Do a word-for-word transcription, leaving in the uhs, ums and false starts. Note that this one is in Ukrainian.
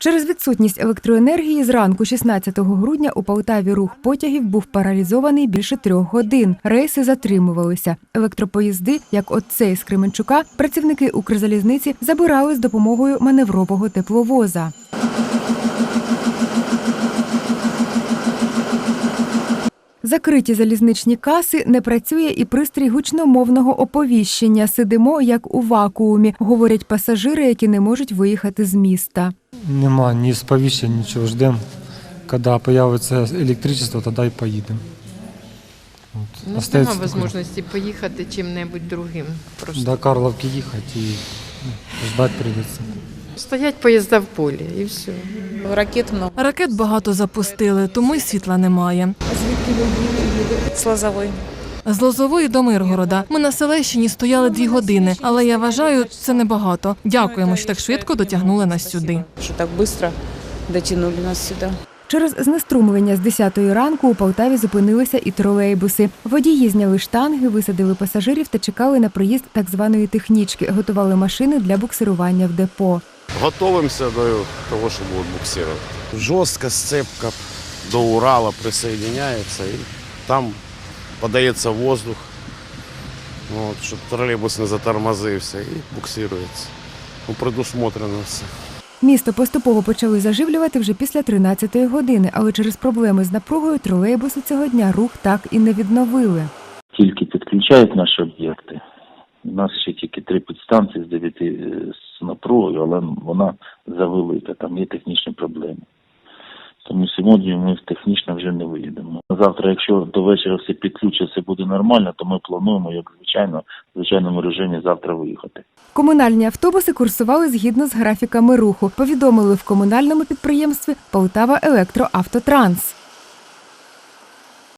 Через відсутність електроенергії зранку шістнадцятого грудня у Полтаві рух потягів був паралізований більше трьох годин. Рейси затримувалися. Електропоїзди, як от цей з Кременчука, працівники Укрзалізниці забирали з допомогою маневрового тепловоза. Закриті залізничні каси, не працює і пристрій гучномовного оповіщення. Сидимо, як у вакуумі, говорять пасажири, які не можуть виїхати з міста. Нема ні сповіщень, нічого. Ждемо, коли з'явиться електричество, тоді і поїдемо. У нас немає можливості поїхати чим-небудь другим. Просто. До Карловки їхати і ждати прийдеться. Стоять поїзда в полі і все. Ракет много. Ракет багато запустили, тому й світла немає. А звідки ви їдете? З Лозової. З Лозової до Миргорода. Ми на Селещині стояли дві години, але я вважаю, це небагато. Дякуємо, що так швидко дотягнули нас сюди. Що так швидко дотягнули нас сюди. Через знеструмлення з десятої ранку у Полтаві зупинилися і тролейбуси. Водії зняли штанги, висадили пасажирів та чекали на приїзд так званої технічки, готували машини для буксирування в депо. Готовимося до того, що будуть буксирувати. Жорстка сцепка до Урала присоединяється і там подається воздух, от, щоб тролейбус не затормозився і буксирується. Ну, предусмотрено все. Місто поступово почали заживлювати вже після тринадцятої години, але через проблеми з напругою тролейбуси цього дня рух так і не відновили. Тільки підключають наші об'єкти. У нас ще тільки три підстанції з дев'яти з напругою, але вона завелика, там є технічні проблеми. Тому сьогодні ми технічно вже не виїдемо. Завтра, якщо до вечора все підключиться, буде нормально, то ми плануємо, як звичайно, в звичайному режимі завтра виїхати. Комунальні автобуси курсували згідно з графіками руху, повідомили в комунальному підприємстві «Полтава Електроавтотранс».